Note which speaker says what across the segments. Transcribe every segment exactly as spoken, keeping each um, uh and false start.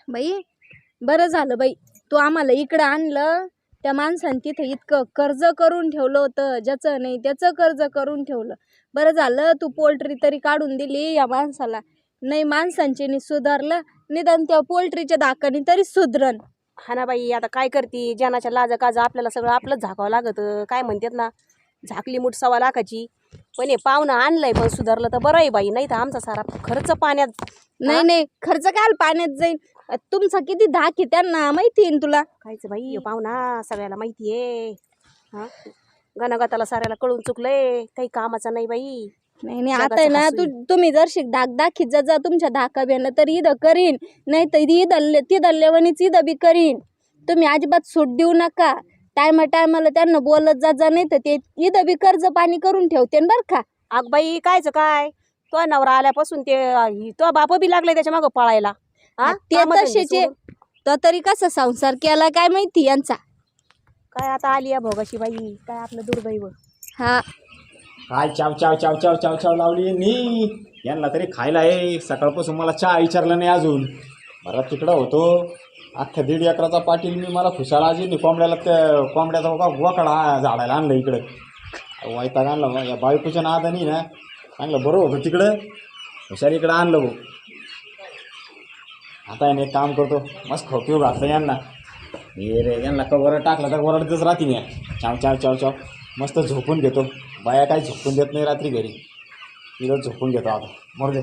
Speaker 1: बाई बरं झालं बाई, तू आम्हाला इकडं आणलं. त्या माणसाने तिथे इतकं कर्ज करून ठेवलं होतं, ज्याचं नाही त्याचं कर्ज करून ठेवलं. बरं झालं तू पोल्ट्री तरी काढून दिली या माणसाला. नाही माणसांचे नि सुधारलं, निदान त्या पोल्ट्रीच्या धाकाने तरी सुधरण.
Speaker 2: हा ना बाई, आता काय करती, जनाच्या लाजा काजा आपल्याला सगळं आपलंच झाकावं लागत. काय म्हणतात ना, झाकली मूठ सव्वा लाखाची. पण हे पाहुणं आणलंय पण सुधारलं तर बरं आहे बाई, नाही तर आमचा सारा खर्च पाण्यात.
Speaker 1: नाही नाही खर्च काय पाण्यात जाईल. तुमचा किती धाक आहे त्यांना माहिती आहे तुला.
Speaker 2: कायच बाई हे पाहुणा सगळ्याला माहिती आहे. हा गणागताला साऱ्याला कळून चुकलंय, काही कामाचा नाही बाई.
Speaker 1: नाही नाही आता आहे ना तू तुम्ही जर शिक धाक दाखीत जा जा तुमच्या धाका बेन तर ईद करीन, नाही तर ईद ती दल्लेवणीच ईद बी करीन. तुम्ही अजिबात सूट देऊ नका. टायमा टायमाला त्यांना बोलत जा जा, नाही तर ते ईद बी कर्ज पाणी करून ठेवते बर का.
Speaker 2: अग बाई कायच काय, तो नवरा आल्यापासून ते तो बाप बी लागले त्याच्या मागं पळायला.
Speaker 1: ते तसेचे तो तरी कसा संसार केला काय माहिती यांचा.
Speaker 2: काय आता आली या भोगाशी बाई, काय आपलं दुर्दैव.
Speaker 1: हा
Speaker 3: काय चाव चाव चाव चाव चाव चाव लावली नी यांना तरी खायला आहे. सकाळपासून मला चहा विचारलं नाही अजून. मला तिकडं होतो अख्ख्या दीड एकराचा पाटील मी, मला खुशाला आजी कोंबड्याला त्या कोंबड्याचा बघा गोकडा झाडायला आणलं इकडं. वायताग आणलं या बायकोच्या नादानी ना, चांगलं बरं होतं तिकडं, हुशार इकडं आणलं भाऊ. आता याने एक काम करतो, मस्त खोपीव घातलं यांना. हे रे यांना का वरड टाकलं तर वरडतच राहते मी. चाव चाव चाव चाव मस्त झोपून घेतो. बाया काही झोपून देत नाही रात्री घरी, तिथं झोपून घेतो आता. मरू दे.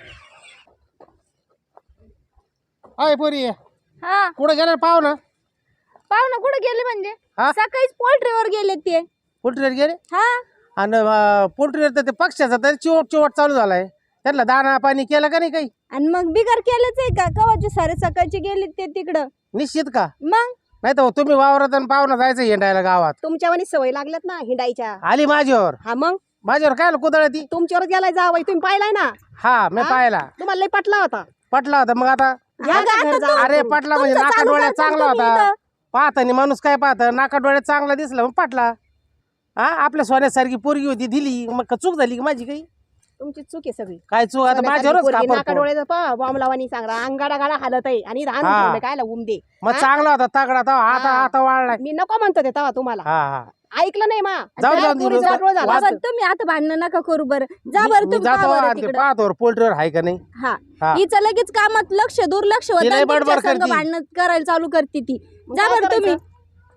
Speaker 4: अय पोरी
Speaker 1: हा
Speaker 4: कुठं गेला पाहुणं?
Speaker 1: पाहुणा कुठे गेले म्हणजे
Speaker 4: हा?
Speaker 1: सकाळीच पोल्ट्रीवर गेले ते.
Speaker 4: पोल्ट्रीवर गेले
Speaker 1: हा
Speaker 4: आणि पोल्ट्रीवर तर ते पक्ष्याचा तरी चिवट चिवट चालू झालाय. त्यांना दाणा पाणी केलं का नाही काही?
Speaker 1: आणि मग बिगर केलंच आहे का? कवाचे सारे सकाळचे गेले ते तिकडं.
Speaker 4: निश्चित का?
Speaker 1: मग
Speaker 4: नाही तर तुम्ही वावरात आणि पाहुणा जायचं हिंडायला गावात.
Speaker 2: तुमच्यावानी सवय लागल्यात ना हिंडायच्या.
Speaker 4: आली माझ्यावर.
Speaker 2: हा मग
Speaker 4: माझ्यावर काय कुदळ ती?
Speaker 2: तुमच्यावर गेलाय जावाई, तुम्ही पाहिलाय ना.
Speaker 4: हा मी पाहिला,
Speaker 2: तुम्हाला लय पटला होता.
Speaker 4: पटला होता. मग आता
Speaker 2: घ्या का घर जावं
Speaker 4: अरे
Speaker 2: तुम्ही.
Speaker 4: पटला म्हणजे
Speaker 1: तुमचं
Speaker 4: नाका
Speaker 1: चालू
Speaker 4: डोळ्यात
Speaker 1: करता
Speaker 4: चांगला
Speaker 1: तुम्ही
Speaker 4: होता.
Speaker 1: इथं.
Speaker 4: पाहतानी माणूस काय पाहत, नाका डोळ्यात चांगला दिसला मग पटला. हा आपल्या सोन्यासारखी पोरगी होती दिली, मग का चूक झाली की माझी काही?
Speaker 2: तुमची चूक आहे सगळी.
Speaker 4: काय चूक? आता माझ्यावरच
Speaker 2: नाका
Speaker 4: खापर.
Speaker 2: डोळ्याचं पा बॉम्ब लावानी सांगा, अंगाडा गाडा हालत आहे आणि रान
Speaker 4: हा.
Speaker 2: ठेवलं काय उम दे.
Speaker 4: मग चांगला होता तगडा तवा, आता
Speaker 2: हा.
Speaker 4: आता वाढलाय.
Speaker 2: मी नको म्हणतो ते तेव्हा तुम्हाला.
Speaker 4: हा हा
Speaker 2: ऐकलं नाही मा.
Speaker 4: जाऊ
Speaker 2: त्या
Speaker 4: जाऊ दे,
Speaker 2: पोरीचा
Speaker 4: जाऊ.
Speaker 2: वाटोळं झाला.
Speaker 1: बाबा, तुम्ही आता भांडणं नका करू बरं. जा बरं
Speaker 4: मी
Speaker 1: तुम्ही
Speaker 4: जातो
Speaker 1: पहा बरं
Speaker 4: आणि ते
Speaker 1: तिकडं.
Speaker 4: पाहतो पोल्ट्रीवर आहे का नाही.
Speaker 1: हा
Speaker 4: हा.
Speaker 1: हिचं लगेच कामात लक्ष दुर्लक्ष
Speaker 4: ती लय
Speaker 1: होतं.
Speaker 4: बडबड
Speaker 1: तुमच्या संग
Speaker 4: करती.
Speaker 1: भांडणं करायला चालू करते ती.
Speaker 2: मग
Speaker 1: जा
Speaker 2: काय
Speaker 1: बरं तुम्ही.
Speaker 2: करायचं?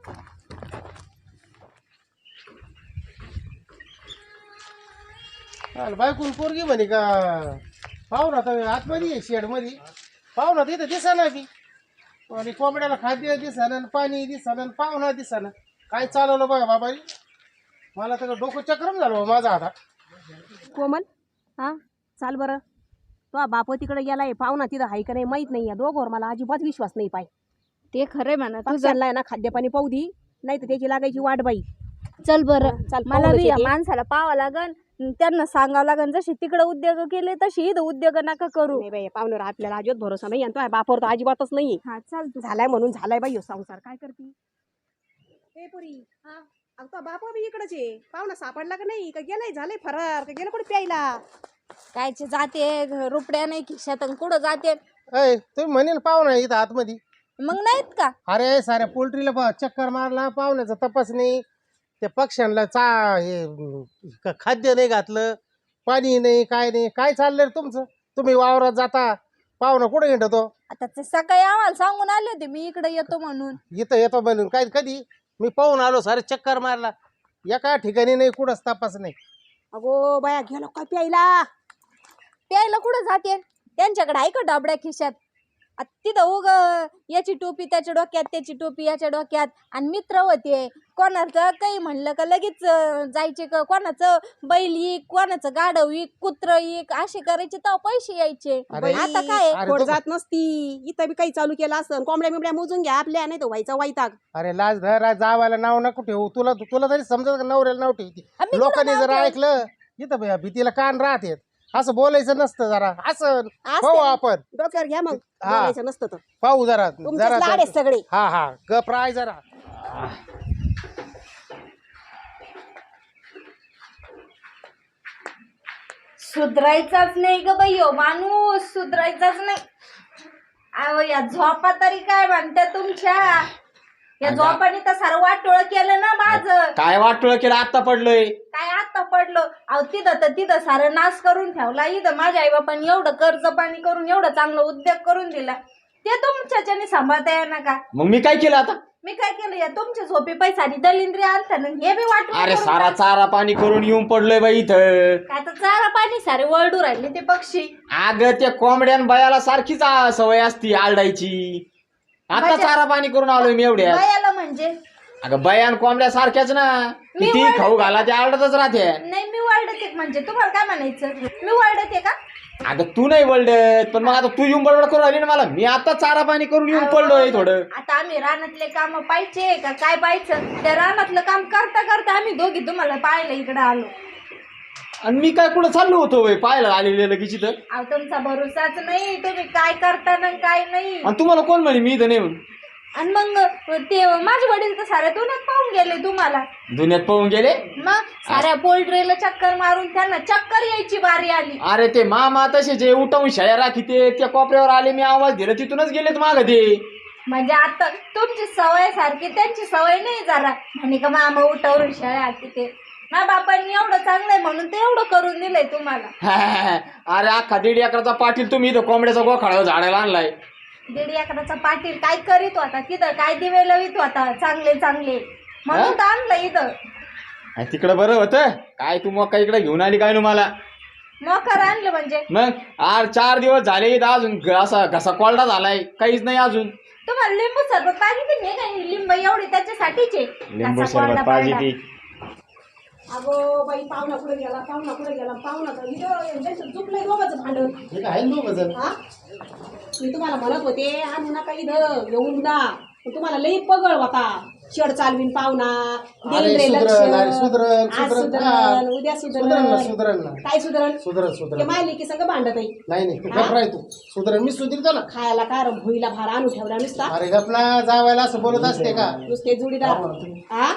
Speaker 4: बायकून पोरगी म्हणे का पाहुणा तर आतमध्ये शेड मध्ये पाहुणा तिथं दिसाना बी, आणि कोंबड्याला खाद्य दिसाना, पाणी दिसाना, पाहुणा दिसाना. काय चालवलं बघा बाबा, मला तर डोकं चक्रम झालं बा माझा आता.
Speaker 2: कोमल हा चाल बरं. तो बाप तिकडे गेलाय, पाहुणा तिथं हाय का नाही माहित नाही. या दोघांवर मला अजिबात विश्वास नाही. पाय
Speaker 1: ते खरंय म्हणा तुझं.
Speaker 2: पक्ष्यांना ना खाद्यपाणी पाहू दी, नाही तर त्याची लागायची वाट बाई.
Speaker 1: चल बरं.
Speaker 2: चाल
Speaker 1: मला
Speaker 2: पाहूनच
Speaker 1: बी या
Speaker 2: येते.
Speaker 1: माणसाला पाहावं लागन, त्यांना सांगावं लागन. जशी तिकडे उद्योग केले तशी इथं उद्योग नका करू.
Speaker 2: नाही बाई पाहुण्यावर आपल्याला अजिबात भरोसा नाही. आणि तो बापावर तर अजिबातच नाही.
Speaker 1: हा चाल तू.
Speaker 2: झालाय म्हणून झालाय बाई ह्यो संसार. काय करती ए पुरी? हा अगं तो बापा बी इकडच आहे. पाहुणा सापडला का नाही? का गेलाय झालंय फरार? का गेलं कुठे प्यायला?
Speaker 1: कायचे जाते रुपड्या नाही खिशात आणि कुठं जाते.
Speaker 4: अय तुम्ही म्हणेल पाहुणा इथं आतमध्ये.
Speaker 1: मग नाहीत का?
Speaker 4: अरे साऱ्या पोल्ट्रीला पा चक्कर मारला, पाहुण्याचा तपास नाही, त्या पक्ष्यांना चा हे क- खाद्य नाही घातलं, पाणी नाही, काय नाही. काय चाललंय रे तुमचं? तुम्ही वावरात जाता, पाहुणा कुठे हिंडतो?
Speaker 1: आता ते सकाळी आम्हाला सांगून आले होते मी इकडे येतो म्हणून.
Speaker 4: इथं येतो बनून काय कधी मी पाहून आलो, सारे चक्कर मारला, एका ठिकाणी नाही, कुठंच तपास नाही.
Speaker 2: अगो बाया गेलो काय प्यायला?
Speaker 1: प्यायला कुठं जाते? त्यांच्याकडे आहे का डबड्या खिशात? आ तिथं उग याची टोपी त्याच्या डोक्यात, त्याची टोपी याच्या डोक्यात, आणि मित्र होते. कोणाचं काही म्हणलं का लगेच अं, जायचे का, कोणाचं बैल इक, कोणाचं गाढव इक, कुत्र इक, असे करायचे तेव्हा पैसे यायचे.
Speaker 4: अरे,
Speaker 1: आता काय
Speaker 4: अरे
Speaker 2: खोड
Speaker 4: तो-
Speaker 2: जात नसती. इथं बी काही चालू केलं असं. कोंबड्या बिंबड्या मोजून घ्या आपल्या, नाही तर व्हायचा वैताग.
Speaker 4: अरे लाज धर, जावायला नाव नको ठेवू. तुला तुला तरी समजत का नवऱ्याला नाव ठेवती?
Speaker 1: आम्ही
Speaker 4: लोकांनी
Speaker 1: कुठं
Speaker 4: जर
Speaker 1: नाव
Speaker 4: ऐकलं इथं भैया भीतीला कान राहते. असं बोलायचं नसतं. जरा असं
Speaker 2: असं
Speaker 4: पाहू आपण,
Speaker 2: डोक्यावर घ्या मग.
Speaker 4: हा.
Speaker 2: बोलायचं नसतं तर.
Speaker 4: पाहू जरा
Speaker 2: तुमचेच
Speaker 4: जरा
Speaker 2: लाड आहेत सगळे.
Speaker 4: हा हा गप राय जरा.
Speaker 1: सुधरायचाच नाही ग बाई, हो माणूस सुधरायचाच नाही. अहो या झोपा तरी काय म्हणते तुमच्या या
Speaker 3: अगं.
Speaker 1: झोपाने तर सारं वाटोळ केलं ना माझं.
Speaker 3: काय वाटलं केलं आता पडलोय
Speaker 1: काय आता पडलो अहो तिथं तर तिथं सारं नाश करून ठेवला. इथं माझ्या आई बापांनी एवढं कर्ज पाणी करून एवढं चांगलं उद्योग करून दिला ते तुमच्याच्याने सांभाळता येणार का?
Speaker 3: मग मी काय केलं आता?
Speaker 1: मी काय केलं या तुमच्या झोपे पैसा आणि दलिंद्री आणता ना हे बी वाटून
Speaker 3: अरे
Speaker 1: करून
Speaker 3: सारा
Speaker 1: टाक.
Speaker 3: चारा पाणी करून येऊन पडलोय बाई इथं.
Speaker 1: काय तर चारा पाणी सारे वरडू राहिले ते पक्षी.
Speaker 3: अगं त्या कोंबड्यान बायाला सारखीच आ- सवय असती आरडायची. आता
Speaker 1: माझ्या-
Speaker 3: चारा पाणी करून आलोय मी एवढ्या.
Speaker 1: बायाला म्हणजे
Speaker 3: अगं बयान कोंबड्या सारख्याच ना.
Speaker 1: मी
Speaker 3: किती
Speaker 1: वळते.
Speaker 3: खाऊ घाला ते आरडतच राहते.
Speaker 1: नाही मी वरडते म्हणजे तुम्हाला काय म्हणायचं मी वरडते का?
Speaker 3: अगं तू नाही वळडत पण मग आता तू येऊन बडबड करून आली ना मला. मी आता चारा पाणी करून येऊन पडलोय थोडं.
Speaker 1: आता आम्ही रानातले काम पाहिजे का काय पाहायचं त्या रानातलं काम करता करता आम्ही दोघी तुम्हाला पाहायला इकडे आलो.
Speaker 3: आणि मी काय कुठं चाललो होतो बाई पाहायला आलेले लगेच इथं.
Speaker 1: अहो तुमचा भरोसाच नाही तुम्ही काय करता ना काय नाही.
Speaker 3: आणि तुम्हाला कोण म्हणे मी इथं नाही म्हणून?
Speaker 1: आणि मग ते माझे वडील तर साऱ्या दुन्यात पाहून गेले तुम्हाला.
Speaker 3: दुनियात पळून गेले.
Speaker 1: मग साऱ्या पोल्ट्रीला चक्कर मारून त्यांना चक्कर यायची बारी आली.
Speaker 3: अरे ते मामा तसे जे उठवून शाळा राखी ते त्या कोपऱ्यावर आले मी आवाज दिला तिथूनच गेलेत माग ते.
Speaker 1: म्हणजे आता तुमची सवय सारखी त्यांची सवय नाही जरा म्हणे का मामा उठावरून शाळा तिथे ना बापांनी एवढं चांगलंय म्हणून ते एवढं करून दिलंय तुम्हाला.
Speaker 3: अरे अख्खा दीड एकराचा पाटील तुम्ही इथं कोंबड्याचा गोखाळा झाडायला आणलाय.
Speaker 1: दीड एकराचा पाटील काय करीत होता तिथं काय दिवे लवित होता चांगले चांगले म्हणून तर आणलं इथं.
Speaker 3: अरे तिकडं बरं होतं काय तू मग काय इकडे घेऊन आली काय ना मला.
Speaker 1: मोकर आणलं म्हणजे
Speaker 3: मग आज चार दिवस झाले इथं अजून ग- असा घसा कोरडा झालाय काहीच नाही अजून.
Speaker 1: तुम्हाला लिंबू सरबत पाहिजे नाही का लिंब एवढी त्याच्यासाठीच आहे.
Speaker 3: लिंबू
Speaker 1: असा कोरडा
Speaker 3: सरबत पाहिजे
Speaker 1: पडला.
Speaker 3: ती.
Speaker 2: अगो बाई पाहुणा कुठे गेला पाहुणा कुठे गेला पाहुणा तर इथं चुकलंय दोघांचं भांडण.
Speaker 4: हे काय दोघ जण
Speaker 2: हा मी तुम्हाला म्हणत होते आणू नका इथं येऊन जा पण तुम्हाला लई पगळ होता. शेड चालवीन पाहुणा
Speaker 4: अरे
Speaker 2: देईन रे लक्ष.
Speaker 4: सुधरण अरे सुधरण
Speaker 2: आज
Speaker 4: सुधरण हा.
Speaker 2: सुधरण उद्या
Speaker 4: सुधरण ना
Speaker 2: सुधरण
Speaker 4: सुधरण ना
Speaker 2: काय सुधरण
Speaker 4: सुधरण
Speaker 2: ते
Speaker 4: सुधरण
Speaker 2: मायली की संग भांडत आहे.
Speaker 4: नाही नाही तू घबराय तू सुधरण मी सुधीरतो ना.
Speaker 2: खायला काय रे भुईला भार आणून ठेवला नुसता
Speaker 4: अरे गपना जावायला असं बोलत असते का?
Speaker 2: नुसते जुडीदार हा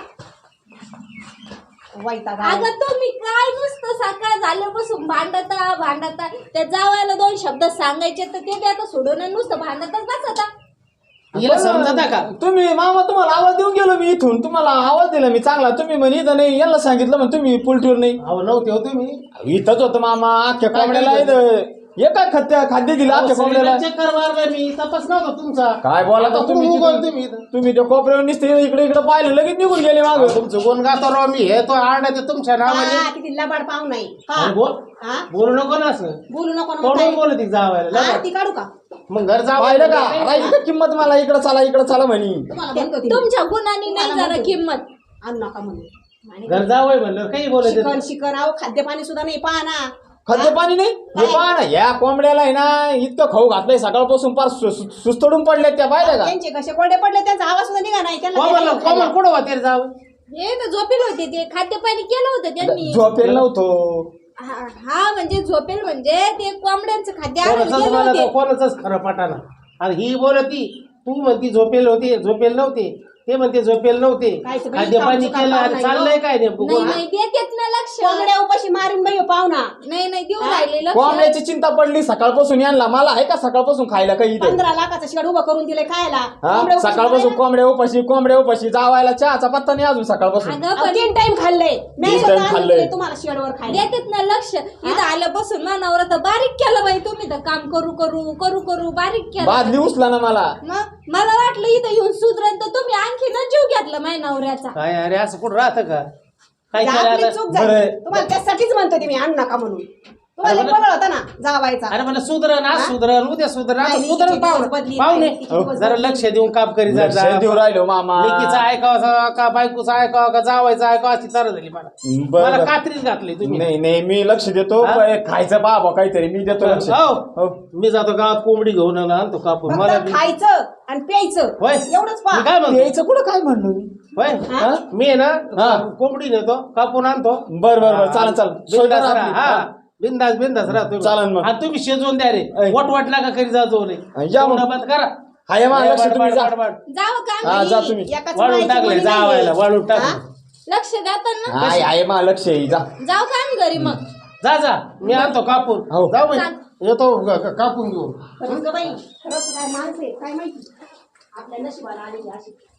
Speaker 2: वैताग आला.
Speaker 1: अगं तुम्ही काय नुसतं सकाळ झाल्यापासून भांडता भांडता त्या जावायला दोन शब्द सांगायचे तर ते बी आता सोडून आणि नुसतं भांडतच बसता.
Speaker 4: हिला समजता का?
Speaker 3: तुम्ही मामा तुम्हाला आवाज देऊन गेलो मी इथून तुम्हाला आवाज दिला मी चांगला. तुम्ही म्हणे इथं नाही यांना सांगितलं म्हण तुम्ही पुलटीवर नाही.
Speaker 4: अहो नव्हते हो तुम्ही.
Speaker 3: इथंच होतं मामा अख्ख्या कोंबड्याला इथं हे काय खाद्य खाद्य दिलं अख्ख्या कोंबड्याला.
Speaker 4: चक्कर मारला मी तपास नव्हता तुमचा.
Speaker 3: काय बोला
Speaker 4: आता
Speaker 3: तुम्ही
Speaker 4: कुठून उगवलं
Speaker 3: तिथून?
Speaker 4: तुम्ही इथं?
Speaker 3: तुम्ही त्या कोपऱ्यावर निसते इकडे इकडे पाहिलं लगेच निघून गेले माग.
Speaker 4: तुमचं गुण गातो राव मी हे तो आरडा ते तुमच्या नावाने.
Speaker 2: हा, किती लबाड पाहू नाही
Speaker 4: अरे बोल
Speaker 2: हा
Speaker 4: बोलू नको ना असं.
Speaker 2: बोलू नको ना मग
Speaker 4: तोंडून
Speaker 2: काय?
Speaker 4: बोलत जावायला
Speaker 2: हा, ती काढू का
Speaker 4: मग घर
Speaker 3: पाहिलं का
Speaker 4: जावं
Speaker 3: राहिली का किंमत मला इकडं चला इकडं चला म्हणी.
Speaker 2: तुम्हाला म्हणतो ती.
Speaker 1: तुमच्या गुणांनी नाही
Speaker 2: तुम्हाला
Speaker 1: जरा
Speaker 2: म्हणतो.
Speaker 1: किंमत.
Speaker 2: आणू नका म्हणून आणि
Speaker 4: घर जावं म्हणलं काही बोलत
Speaker 2: शिकण शिकण अहो खाद्यपाणी सुद्धा नाही पहा ना.
Speaker 3: खाद्य पाणी नाही हे पहा ना या कोंबड्याला आहे ना इतकं खाऊ घातलंय सकाळपासून फार सु- सु- सुस्तडून पडल्यात त्या पाहिलं का.
Speaker 2: त्यांचे कसे कोरडे पडले त्यांचा आवाज सुद्धा निघा नाही त्यांना
Speaker 4: कोमल
Speaker 2: देता
Speaker 4: कोमल
Speaker 2: खायला.
Speaker 4: कुठं होते जावं.
Speaker 1: हे तर झोपेल होते ते खाद्यपाणी केलं होतं त्यांनी.
Speaker 3: झोपेल नव्हतो.
Speaker 1: हा हा, म्हणजे झोपेल म्हणजे ते कोंबड्यांचं खाद्य आणून
Speaker 4: कोणाचंच
Speaker 1: गेले
Speaker 4: मला
Speaker 1: होते.
Speaker 4: तर कोणाचंच खरं पटाना. आणि ही बोलती तू म्हणती झोपेल होते झोपेल नव्हते ते म्हणते झोपेल नव्हते.
Speaker 2: कायचं बाई,
Speaker 4: खाद्य पाणी
Speaker 2: कामचं
Speaker 4: केलं
Speaker 2: काम
Speaker 4: आणि
Speaker 2: नाही
Speaker 4: चाललंय काय नेमकं
Speaker 1: नाही
Speaker 4: बोल.
Speaker 1: नाही देतेत ना लक्ष.
Speaker 2: कोंबड्या उपाशी मारीन बाई हो पाहुणा.
Speaker 1: नाही नाही देऊ राहिले लक्ष.
Speaker 3: कोंबड्याची चिंता पडली सकाळपासून यांना. मला आहे का सकाळपासून खायला काही इथे?
Speaker 2: पंधरा लाखाचं शेड उभं करून दिले खायला.
Speaker 3: हा
Speaker 2: कोंबड्या उपाशी
Speaker 3: सकाळपासून
Speaker 2: मारायला.
Speaker 3: कोंबड्या उपाशी कोंबड्या उपाशी जावायला चहाचा पत्ता नाही अजून सकाळपासून.
Speaker 1: अगं
Speaker 2: अहो,
Speaker 1: पण
Speaker 2: तीन टाइम खाल्लंय मी
Speaker 3: तीन
Speaker 2: स्वतः
Speaker 3: time
Speaker 2: आणून
Speaker 3: खाल्लंय.
Speaker 2: दिले तुम्हाला शेडवर खायला.
Speaker 1: देतेत ना लक्ष. इथं आल्यापासून मानावर तर बारीक केलं बाई तुम्ही तर काम करू करू करू करू बारीक केलं.
Speaker 3: बादली उचला ना मला.
Speaker 1: मग मला वाटलं इथं येऊन सुधरण तर तुम्ही आणखी न जीव घेतला माझ्या नवऱ्याचा.
Speaker 4: काय अरे असं कुठं राहतं का काय
Speaker 2: ही
Speaker 4: केलं
Speaker 2: आपली
Speaker 4: आता?
Speaker 2: चूक झाली.
Speaker 3: बरं.
Speaker 2: तुम्हाला त्यासाठीच म्हणतो ते मी आणू नका म्हणून. तुम्हाला
Speaker 4: अरे
Speaker 2: पगळ होता ना जावायचा.
Speaker 4: अरे मला सुधरण आज
Speaker 2: हा?
Speaker 4: सुधरण उद्या सुधरण आता
Speaker 2: नाही,
Speaker 4: सुधरण
Speaker 2: लेकीचे
Speaker 4: पाहुणे
Speaker 2: दिवस बदली,
Speaker 4: पाहुणे
Speaker 2: नाही, लेकीचे दिवस
Speaker 4: जरा
Speaker 2: बदली.
Speaker 4: लक्ष देऊन काम करी जा
Speaker 3: लक्ष देऊ राहिलो मामा.
Speaker 4: लेकीचं ऐकावं का बायकोचं ऐकावं का जावायचं ऐकावं अशी तर झाली मला.
Speaker 3: बरं,
Speaker 4: मला
Speaker 3: बरं.
Speaker 4: कात्रीच घातली तुम्ही.
Speaker 3: नाही नाही मी लक्ष देतो.
Speaker 4: हा?
Speaker 3: पण खायचं बाबा काहीतरी मी देतो लक्ष.
Speaker 4: हो
Speaker 3: हो.
Speaker 4: मी जातो गावात कोंबडी घेऊन आलो, आणतो कापून मला
Speaker 2: फक्त खायचं आणि प्यायचं
Speaker 4: होय
Speaker 2: एवढंच
Speaker 4: मी
Speaker 2: पहा.
Speaker 4: काय म्हणतो
Speaker 3: यायचं कुठं काय म्हणलो मी.
Speaker 4: होय
Speaker 2: हा?
Speaker 4: मी आहे ना
Speaker 3: हा.
Speaker 4: कोंबडी नेतो कापून आणतो.
Speaker 3: बर बर बर चालन चालन.
Speaker 4: बिंदास
Speaker 3: सोय
Speaker 4: राहा.
Speaker 3: करा
Speaker 4: हा
Speaker 3: आपली.
Speaker 4: बिंदास बिंदास राहा तुम्ही.
Speaker 3: चालन मग.
Speaker 4: आणि तुम्ही शिजवून द्या रे
Speaker 3: ऐ.
Speaker 4: वट वाटला का करी जा जो रे
Speaker 3: या मग.
Speaker 4: बंद करा.
Speaker 3: हाय मा लक्ष तुम्ही जा.
Speaker 4: बड, बड, बड.
Speaker 1: जावं का
Speaker 3: हा जा तुम्ही.
Speaker 2: एकाच
Speaker 4: वाळून
Speaker 2: मायेची
Speaker 4: टाकले
Speaker 2: मुली
Speaker 4: जावायला
Speaker 2: नाहीये.
Speaker 4: वाळून
Speaker 2: हा?
Speaker 4: टाकले
Speaker 1: लक्ष देतात ना.
Speaker 3: हाय आहे मा लक्ष आहे जा.
Speaker 1: जाऊ का आम्ही घरी मग.
Speaker 4: जा जा मी आणतो कापून
Speaker 3: हो.
Speaker 4: जाऊ बाई येतो ग- ग- कापून घेऊन
Speaker 2: खरंच ग बाई खरंच काय माणसं आहे काय माहिती आपल्या नशिबाला आलेली अशी